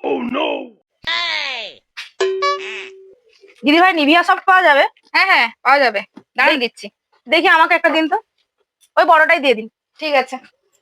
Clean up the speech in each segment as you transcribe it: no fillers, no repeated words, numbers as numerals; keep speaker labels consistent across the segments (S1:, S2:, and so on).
S1: দিদি ভাই Nivea soft পাওয়া যাবে?
S2: হ্যাঁ হ্যাঁ পাওয়া যাবে, দাঁড়ান দিচ্ছি।
S1: দেখি আমাকে একটা দিন তো, ওই বড়টাই দিয়ে দিন।
S2: ঠিক আছে।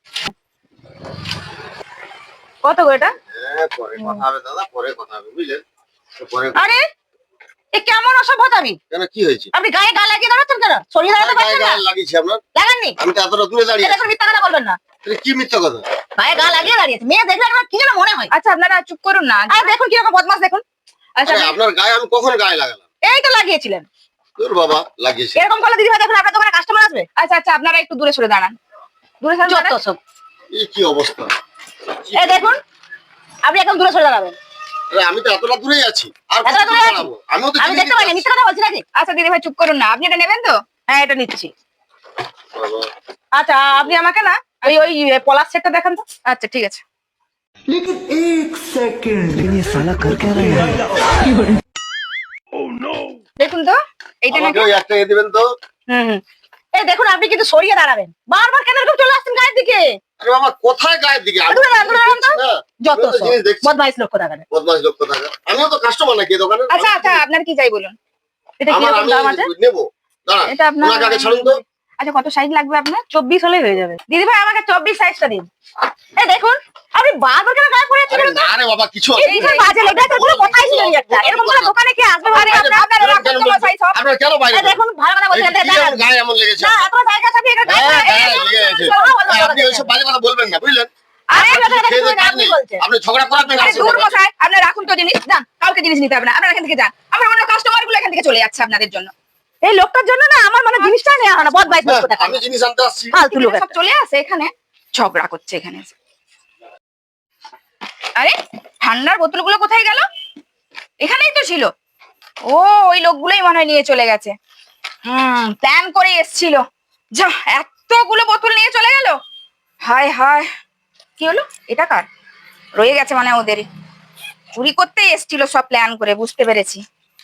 S1: কত গো এটা?
S3: পরে কথা হবে দাদা, পরে কথা হবে, বুঝলেন?
S1: আরে এ কেমন অসভ্যতামি!
S3: কেন, কি হয়েছে?
S1: আপনি গায়ে গা লাগিয়ে দাঁড়াচ্ছেন কেন? শরীরে দাঁড়াতে পারছেন না?
S3: লাগিয়েছি আপনার?
S1: লাগাননি?
S3: আমি তো এতটা দূরে দাঁড়িয়ে
S1: এটা মিথ্যা কথা বলবেন না।
S3: কি মিথ্যা কথা?
S1: গায়ে গা লাগিয়ে দাঁড়িয়েছে, মেয়ে দেখলে আপনার কি যেন মনে হয়।
S2: আচ্ছা আপনারা চুপ করুন না।
S1: আর দেখুন কিরকম বদমাশ, দেখুন।
S2: আচ্ছা
S3: আপনার গায়ে আমি কখন গায়ে লাগালাম?
S1: এই তো লাগিয়েছিলেন।
S3: তোর বাবা লাগিয়েছে।
S1: এরকম করলে দিদি ভাই দেখুন আপনার দোকানে কাস্টমার আসবে।
S2: আচ্ছা আচ্ছা আপনারা একটু দূরে সরে দাঁড়ান। দূরে সরে
S1: যত
S2: দাঁড়ান।
S1: সব।
S3: এই কি অবস্থা!
S1: এই দেখুন, আপনি একদম দূরে সরে দাঁড়াবেন।
S3: আরে আমি তো এতটা দূরেই আছি, আর
S1: এতটা দূরে আছি?
S3: দাঁড়াবো? আমিও তো
S1: আমি দেখতে পাইনি, মিথ্যা কথা বলছি নাকি?
S2: আচ্ছা দিদি ভাই চুপ করুন না, আপনি এটা নেবেন তো?
S1: হ্যাঁ এটা নিচ্ছি।
S3: বাবা,
S1: আচ্ছা আপনি আমাকে না ওই ওই পলাশ সেটটা দেখান তো।
S2: আচ্ছা ঠিক আছে।
S4: लेकिन एक सेकंड ये साला कर क्या रहा है?
S2: দেখুন তো এইটা নাকি।
S3: আমাকে ওই একটা দিবেন তো।
S1: হুম। এই দেখুন আপনি কিন্তু সরিয়ে দাঁড়াবেন, বারবার কেন এরকম চলে আসছেন গায়ের দিকে?
S3: আরে বাবা, কোথায় গায়ের দিকে? আমি
S1: দূরে দাঁড়ান, দূরে দাঁড়ান তো।
S3: না,
S1: যত
S3: আমি তো
S1: সব
S3: জিনিস দেখছি।
S1: বদমাইশ লোক কোথাকার।
S3: বদমাশ লোক কোথায়? আমিও তো কাস্টমার নাকি এই দোকানে?
S2: আচ্ছা আচ্ছা আপনার কি চাই বলুন।
S1: এটা কি রকম দাম আছে?
S3: আমি নেবো। দাঁড়ান,
S2: এটা আপনার
S3: ওনাকে আগে ছাড়ুন তো।
S2: আচ্ছা কত সাইজ লাগবে আপনার?
S1: 24 হলেই হয়ে যাবে। দিদি ভাই আমাকে 24 সাইজটা দিন। এই দেখুন আপনি বারবার কেন গায়ে পড়ে
S3: আরে
S1: আছেন?
S3: না রে বাবা, কিছু
S1: এই যে বাজে লোক, এটা কোনো কথাই ছিল না একটা। এরকম করে দোকানে কি আসবে? আরে আপনার
S3: কেন বলছেন? আপনার কেন বাইরে?
S1: এই দেখুন ভালো কথা বলছেন,
S3: এই কি
S1: দাঁড়ান।
S3: গায়ে এমন লেগেছে?
S1: না এত জায়গা আছে, আপনি এটা
S3: হ্যাঁ,
S1: গায়ে
S3: হ্যাঁ, লেগে গেছে। আপনি ওইসব বাজে কথা বলবেন না, বুঝলেন?
S1: আরে কথা
S3: খেয়ে দিয়ে কাজ
S1: আপনি
S3: নেই।
S1: বলছেন।
S3: আপনি ঝগড়া করাবেন না।
S2: আরে দূর মশাই, আপনারা রাখুন তো জিনিস, যান কাউকে জিনিস নিতে হবে না, আপনারা এখান থেকে যান। আমার অন্য কাস্টমার গুলো এখান থেকে চলে যাচ্ছে আপনাদের জন্য।
S1: এই লোকটার জন্য না আমার মানে জিনিসটা নেওয়া হয় না, বদমাইশ লোক কোথাকার।
S3: আমি জিনিস আনতে আসছি।
S1: ফালতু লোক
S2: সব
S1: একটা।
S2: চলে আসে এখানে, ঝগড়া করছে এখানে। আরে ঠান্ডার বোতলগুলো কোথায় গেল? এখানেই তো ছিল। ও ওই লোকগুলোই মনে হয় নিয়ে চলে গেছে। প্ল্যান করে এসছিল। যা এতগুলো বোতল নিয়ে চলে গেল। হায় হায়, কি হলো? এটা কার? রয়ে গেছে মানে ওদেরই। চুরি করতেই এসছিল সব প্ল্যান করে, বুঝতে পেরেছি।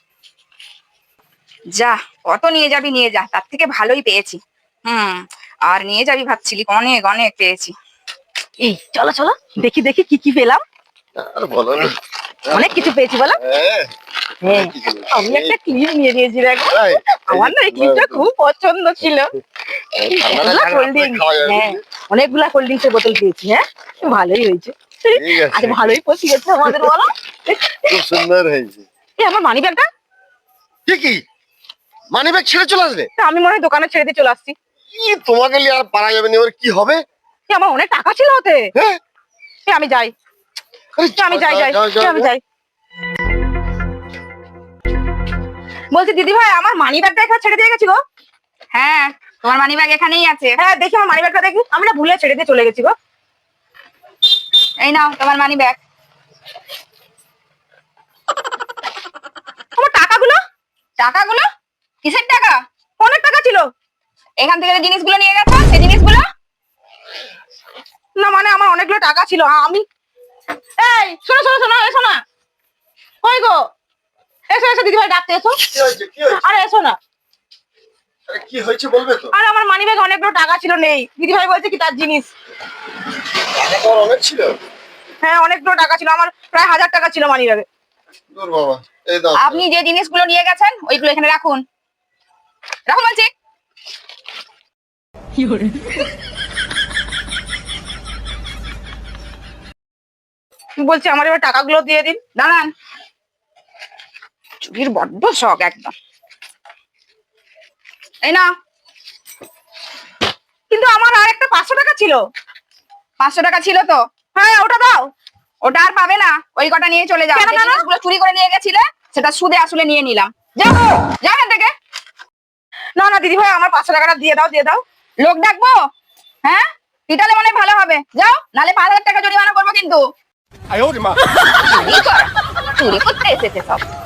S2: যা কত নিয়ে যাবি নিয়ে যা, তার থেকে ভালোই পেয়েছি। আর নিয়ে যাবি ভাবছিলি, অনেক অনেক পেয়েছি।
S1: এই চলো চলো দেখি দেখি কি কি পেলাম।
S3: আর বলো না।
S1: অনেক কিছু পেয়েছি বলো।
S3: হ্যাঁ,
S1: হ্যাঁ আমি একটা ক্লিপ নিয়ে নিয়েছি দেখো।
S3: তাই?
S1: আমার না এই ক্লিপটা খুব পছন্দ ছিল।
S3: আপনারা
S1: কোল্ড ড্রিঙ্ক,
S3: খাওয়া যাবে,
S1: হ্যাঁ অনেকগুলা কোল্ড ড্রিঙ্কসের বোতল পেয়েছি। হ্যাঁ ভালোই হয়েছে।
S3: ঠিক আছে।
S1: আজ ভালোই পচি গেছে আমাদের বলো।
S3: খুব সুন্দর হয়েছে।
S1: এই আমার মানি ব্যাগটা
S3: ঠিকই, মানি ব্যাগ ছেড়ে চলে আসবে?
S1: আমি মনে হয় দোকানে ছেড়ে দিয়ে চলে আসছি।
S3: তোমাকে নিয়ে আর পারা যাবে না, এবার কি হবে?
S1: এই আমার অনেক টাকা ছিল ওতে।
S3: হ্যাঁ,
S1: এই আমি যাই,
S3: আরে
S1: আমি যাই যাই
S3: যাও,
S1: এই আমি যাই। বলছি দিদি ভাই আমার মানি ব্যাগটা এখানে ছেড়ে দিয়ে গেছি গো।
S2: হ্যাঁ তোমার মানি ব্যাগ এখানেই আছে।
S1: হ্যাঁ দেখি আমার মানি ব্যাগটা দেখি, আমি না ভুলে ছেড়ে দিয়ে চলে গেছি গো।
S2: এই নাও তোমার মানি ব্যাগ।
S1: আমার টাকাগুলো?
S2: টাকাগুলো? কিসের টাকা?
S1: অনেক টাকা ছিল।
S2: এখান থেকে যে জিনিসগুলো নিয়ে গেছো সেই জিনিসগুলো?
S1: না মানে আমার অনেকগুলো টাকা ছিল। আমি এই শোনো শোনো শোনো, এসো না। কই গো? এসো এসো দিদি ভাই ডাকতে এসো।
S3: কি হয়েছে? কি হয়েছে?
S1: আরে এসো না।
S3: আরে কি হয়েছে বলবে তো?
S1: আরে আমার মানি ব্যাগে অনেকগুলো টাকা ছিল, নেই। দিদি ভাই বলছে কি তার জিনিস।
S3: টাকা তো অনেক ছিল।
S1: হ্যাঁ অনেকগুলো টাকা ছিল, আমার প্রায় 1000 টাকা ছিল মানি ব্যাগে।
S3: দূর বাবা, এই দাও।
S2: আপনি যে জিনিসগুলো নিয়ে গেছেন ওইগুলো এখানে রাখুন। রাখুন বলছি।
S1: বলছি আমার এবার টাকাগুলো দিয়ে দিন।
S2: দাঁড়ান, চুরির বড্ড শখ একদম। এই না,
S1: কিন্তু আমার আর একটা 500 টাকা ছিল।
S2: 500 টাকা ছিল তো?
S1: হ্যাঁ ওটা দাও।
S2: ওটা আর পাবে না, ওই কটা নিয়ে চলে যাও।
S1: কেন,
S2: যে
S1: কেন?
S2: জিনিসগুলো চুরি করে নিয়ে গেছিলে সেটা সুদে আসলে নিয়ে নিলাম। যাও যাও এখান থেকে।
S1: না না দিদি ভাই আমার 500 টাকাটা দিয়ে দাও, দিয়ে দাও।
S2: লোক ডাকবো? হ্যাঁ পিটালে মনে হয় ভালো হবে। যাও, নালে 5000 টাকা জরিমানা করবো কিন্তু। চুরি করা, চুরি করতে এসেছে সব।